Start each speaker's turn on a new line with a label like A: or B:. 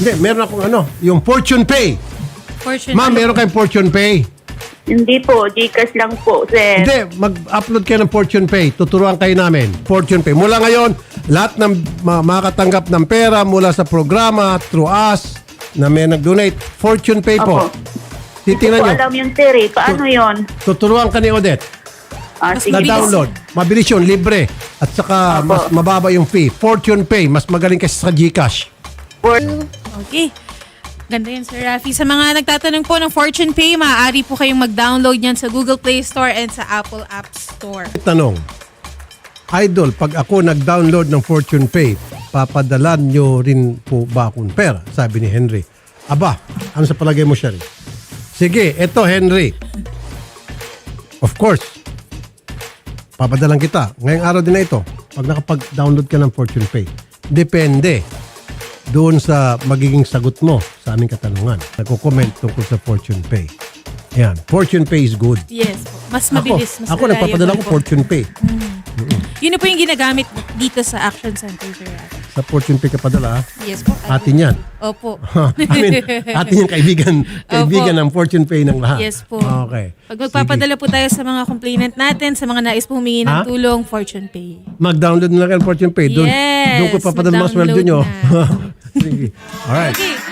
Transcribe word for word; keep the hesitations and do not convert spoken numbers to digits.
A: Hindi, meron akong ano, yung Fortune Pay.
B: Fortune.
A: Ma'am, meron kayong Fortune Pay.
C: Hindi po, Gcash lang po, sir.
A: Hindi, mag-upload kayo ng Fortune Pay. Tuturuan kayo namin. Fortune Pay. Mula ngayon, lahat ng ma- makakatanggap ng pera mula sa programa, through us, na may nag-donate, Fortune Pay po.
C: Opo.
A: Titingnan
C: Hindi ko
A: nyo.
C: alam yung sir eh. Paano yun?
A: Tuturuan ka ni Odette.
C: Ah,
B: Mas
C: sige.
A: Na
B: Mabilis.
A: download. Mabilis yun, libre. At saka
C: Opo.
A: mas mababa yung fee. Fortune Pay, mas magaling kasi sa Gcash.
C: For-
B: Okay. Ganda yan, Sir Rafi. Sa mga nagtatanong po ng Fortune Pay, maaari po kayong mag-download yan sa Google Play Store and sa Apple App Store.
A: Tanong, Idol, pag ako nag-download ng Fortune Pay, papadalan nyo rin po ba akong pera? Sabi ni Henry. Aba, ano sa palagay mo, Sherry? Sige, eto Henry. Of course, papadalan kita. Ngayong araw din na ito, pag nakapag-download ka ng Fortune Pay, depende doon sa magiging sagot mo sa aming katanungan. Nagko-comment tungkol sa Fortune Pay. Yan, Fortune Pay is good.
B: Yes po. Mas
A: Ako,
B: mabilis. Mas
A: ako nagpapadala ko
B: reliable po.
A: Fortune Pay.
B: Yun na po yung ginagamit dito sa Action Center, Sir Rafi.
A: Sa Fortune Pay ka padala, ha?
B: Yes po.
A: Atin yan.
B: Opo.
A: I mean, atin yung kaibigan, kaibigan ng Fortune Pay ng lahat.
B: Yes po.
A: Okay.
B: Pag magpapadala po tayo sa mga complainant natin, sa mga nais po humingi ng
A: Ha?
B: tulong, Fortune Pay.
A: Mag-download na lang kayo ng Fortune Pay. Doon,
B: Yes,
A: doon ko papadala mga sweldo
B: mag-download
A: nyo.
B: na.
A: Sige. Alright.
B: Okay.